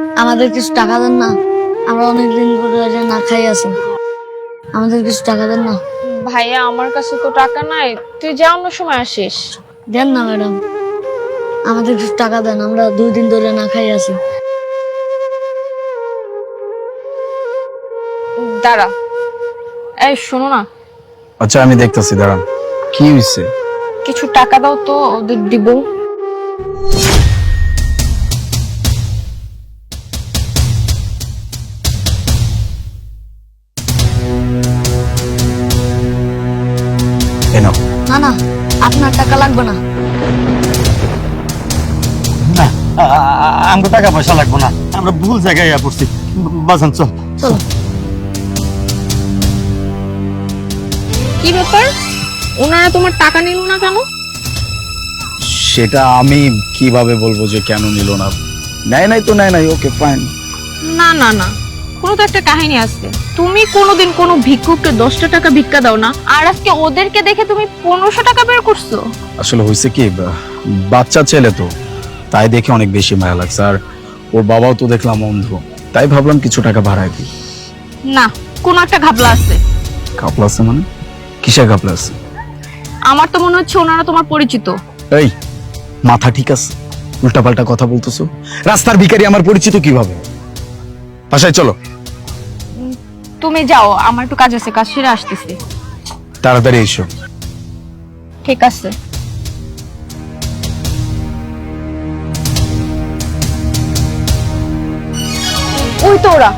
আমাদের কিছু টাকা দেন না, আমরা অনেকদিন ধরে না খাই আছি, আমাদের কিছু টাকা দেন না। ভাইয়া আমার কাছে তো টাকা নাই, তুই যা অন্য সময় আসিস। দেন না ম্যাডাম, আমাদের কিছু টাকা দেন, আমরা 2 দিন ধরে না খাই আছি। দাঁড়া, এই শোনো না, আচ্ছা আমি দেখতেছি, দাঁড়ান। কি হয়েছে? কিছু টাকা দাও তো, ওদের দিব। এনাও। না না, আপনার টাকা লাগবে না। না, আমাকে টাকা পয়সা লাগবো না, আমরা ভুল জায়গায় পড়ছি। বাজান চল। চলো। কি ব্যাপার, ওনারা তোমার টাকা নিল না কেন? সেটা আমি কিভাবে বলবো যে কেন নিল না? নেয় নাই তো নেয় নাই, ওকে ফাইন। না না না, কোনো তো একটা কাহিনী আছে। তুমি কোনোদিন কোনো ভিক্ষুককে 10টা টাকা ভিক্ষা দাও না, আর আজকে ওদেরকে দেখে তুমি 1500 টাকা বের করছো। আসলে হয়েছে কি, বাচ্চা ছেলে তো, তাই দেখে অনেক বেশি মায়া লাগছে। আর ওর বাবাও তো দেখলাম অন্ধ, তাই ভাবলাম কিছু টাকা ভাড়ায় দিই। না, কোনো একটা ঘাপলা আছে। ঘাপলা আছে মানে? কিসের ঘাপলা আছে? আমার তো মনে হচ্ছে ওনারা তোমার পরিচিত। এই, মাথা ঠিক আছে? উল্টাপাল্টা কথা বলতেছো। রাস্তার ভিখারি আমার পরিচিত কিভাবে? বাসায় চলো। তুমি যাও, আমার একটু কাজ আছে, কাজ সেরে আসতেছি। তাড়াতাড়ি এসো। ঠিক আছে। ওই তো ওরা।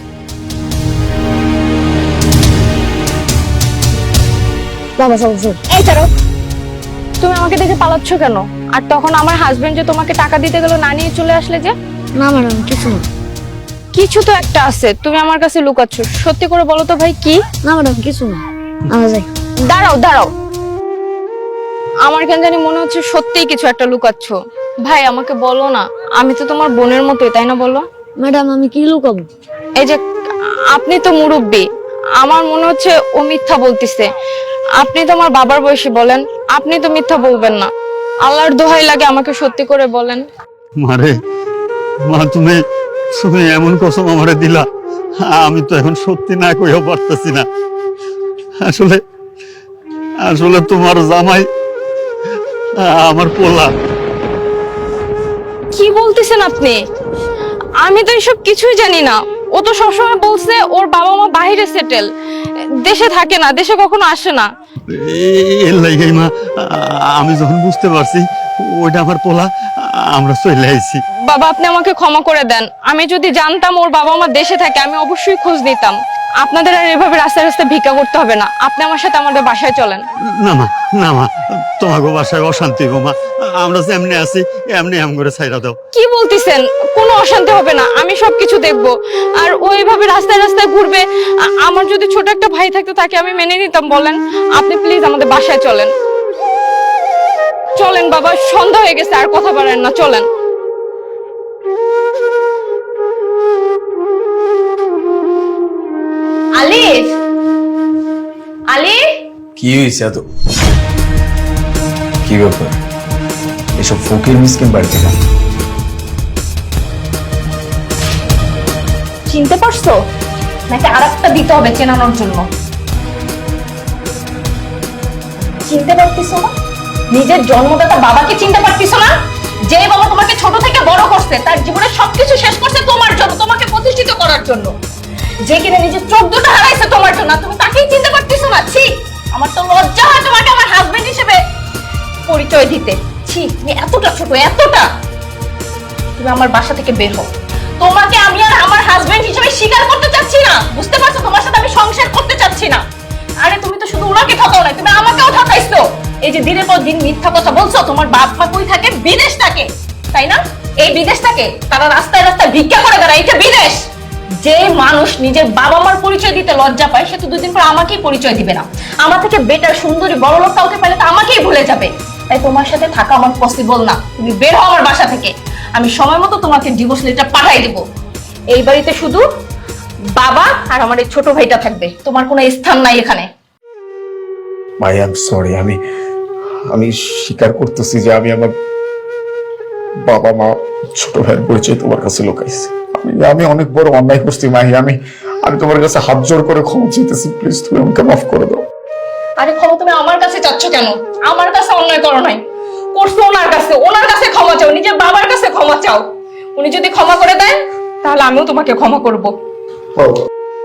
বাবা চলো চলো। এই ছাড়ো, তুমি আমাকে দেখে পালাচ্ছ কেন? আর তখন আমার হাজবেন্ড যে তোমাকে টাকা দিতে গেল, না নিয়ে চলে আসলে যে? না ম্যাডাম, কিছু না। কিছু তো একটা আছে, তুমি আমার কাছে লুকাচ্ছ। সত্যি করে বলো তো ভাই, কি? না ম্যাডাম, কিছু না, আমরা যাই। দাঁড়াও দাঁড়াও, আমার কেন জানি মনে হচ্ছে সত্যিই কিছু একটা লুকাচ্ছ। ভাই আমাকে বলো না, আমি তো তোমার বোনের মতোই, তাই না? বলো। ম্যাডাম, আমি কি লুকাবো? এই যে আপনি তো মুরব্বী, আমার মনে হচ্ছে ও মিথ্যা বলতিছে। আপনি তো আমার বাবার বয়সী, বলেন, আপনি তো মিথ্যা বলবেন না। আল্লাহর দোহাই লাগে, আমাকে সত্যি করে বলেন। মারে, মা তুমি তুমি এমন কসম আমারে দিলা, আমি তো এখন সত্যি না কইও পারতেছি না। আসলে আসলে তোমার জামাই আমার পোলা। কি বলতেছেন আপনি? আমি তো এসব কিছুই জানি না। ও তো সবসময় বলছে ওর বাবা মা বাইরে সেটেল, দেশে থাকে না, দেশে কখনো আসে না। এর লাইগাই মা, আমি যখন বুঝতে পারছি ওইটা আমার পোলা, আমরা চলে আইছি। বাবা আপনি আমাকে ক্ষমা করে দেন। আমি যদি জানতাম ওর বাবা মা দেশে থাকে, আমি অবশ্যই খোঁজ নিতাম। আপনাদের আর এভাবে রাস্তায় রাস্তায় ভিক্ষা করতে হবে না। আপনি আমার সাথে আমাদের বাসায় চলেন। না মা, না মা, তোমাকে বাসায় অশান্তি গো মা, আমরা যেমনি আছি এমনি আম করে ছাইরা দাও। কি বলতেছেন? কোনো অশান্তি হবে না, আমি সবকিছু দেখব। আর ওইভাবে রাস্তায় রাস্তায় ঘুরবে, আমার যদি ছোট একটা ভাই থাকতো তাকে আমি মেনে নিতাম। বলেন, আপনি প্লিজ আমাদের বাসায় চলেন। চলেন বাবা, সন্ধ্যা হয়ে গেছে, আর কথা বলেন না, চলেন। আলিফ, আলিফ, কি হয়েছে এত? কি ব্যাপার? এসব ফকির মিসকিন বাড়িতে না? চিনতে পারছো নাকি আরেকটা দিতে হবে চেনানোর জন্য? চিনতে পারতিস না? নিজের জন্মদাতা বাবাকে চিনতে পারতিস না? যে বাবা তোমাকে ছোট থেকে বড় করছে, তার জীবনের সবকিছু শেষ করছে তোমার জন্য, তোমাকে প্রতিষ্ঠিত করার জন্য। যে কিনা নিজের 14টা হারাইছে তোমার জন্য, তুমি তাকেই চিনতে পারতিস না? ছি, আমার তো লজ্জা হয় তোমাকে আমার হাজবেন্ড হিসেবে পরিচয় দিতে। ছি, তুমি এতটা ছোট, এতটা। তুমি আমার বাসা থেকে বের হও। তোমাকে আমি আর আমার হাজবেন্ড হিসেবে স্বীকার করতে চাচ্ছি না, বুঝতে পারছো? তোমার সাথে আমি সংসার করতে চাচ্ছি না। আরে তুমি তো শুধু ওনাকে ঠকাও না, তুমি আমাকেও ঠকাইছো। এই যে দিনের পর দিন মিথ্যা কথা বলছো। তোমার বাপ মা কই থাকে? বিদেশ থাকে, তাই না? এই বিদেশ থাকে, তারা রাস্তায় রাস্তায় ভিক্ষা করে বেড়ায়, এটা বিদেশ। যে মানুষ নিজের বাবা মার পরিচয় দিতে লজ্জা পায়, সে তো 2 দিন পর আমাকেই পরিচয় দিবে না। আমার থেকে বেটার সুন্দরী বড় লোক কাউকে পেলে তো আমাকেই ভুলে যাবে। তাই তোমার সাথে থাকা আমার পসিবল না। তুমি বের হও আমার বাসা থেকে। আমি সময় মতো তোমাকে ডিভোর্স লেটার পাঠাই দেব। এই বাড়িতে শুধু বাবা আর আমার এই ছোট ভাইটা থাকবে, তোমার কোনো স্থান নাই এখানে। ভাই আই এম সরি, আমি স্বীকার করতেছি যে আমি আমার বাবা মা ছোট ভাইয়ের পরিচয় তোমার কাছে লুকাইছি। আমি অনেক বড় অন্যায় করছি মাহি। আমি তোমার কাছে হাত জোড় করে ক্ষমা চাইতেছি, প্লিজ তুমি আমাকে মাফ করে দাও। আরে ক্ষমা তুমি আমার কাছে চাচ্ছ কেন? আমার কাছে অন্যায় করো নাই, করছো ওনার কাছে ক্ষমা চাও, নিজের বাবার কাছে ক্ষমা চাও। উনি যদি ক্ষমা করে দেন তাহলে আমিও তোমাকে ক্ষমা করব। বাবা,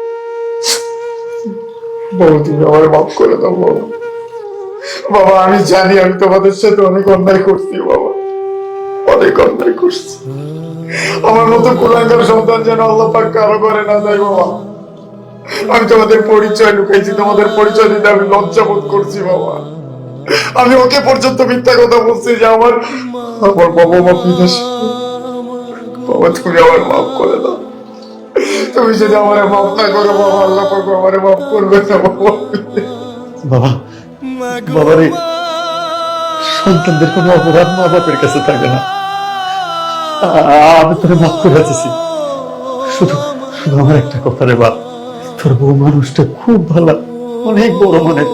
বাবা তুমি আমার মাফ করে দাও বাবা। বাবা আমি জানি আমি তোমাদের সাথে অনেক অন্যায় করছি বাবা, অনেক অন্যায় করছি। আমার মতো কুলাঙ্গার সন্তান যেন আল্লাহ পাক কারো করে না যায় বাবা। আমি তোমাদের পরিচয় লুকাইছি, তোমাদের পরিচয় দিতে আমি লজ্জা বোধ করছি বাবা। আমি ওকে পর্যন্ত মিথ্যা কথা বলছি যে আমার বাবা মা বিদেশ। বাবা তুমি আমার মাফ করে দাও। তুমি যদি আমার মাফ না করো বাবা, আল্লাহ পাক আমার মাফ করবে না বাবা। বাবা, বাবা রে, সন্তানদের কোনো অপরাধ মা বাপের কাছে থাকে না। আমি তোরে মাফ করে দিছি। শুধু শুধু আমার একটা কথা রে বাপ, তোর বউ মানুষটা খুব ভালো, অনেক বড় মনের।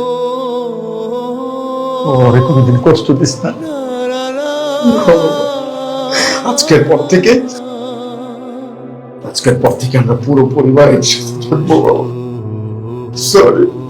ওরে কোনোদিন কষ্ট দিস না। আজকের পর থেকে আমরা পুরো পরিবার একসাথে থাকবো বাবা। সরি।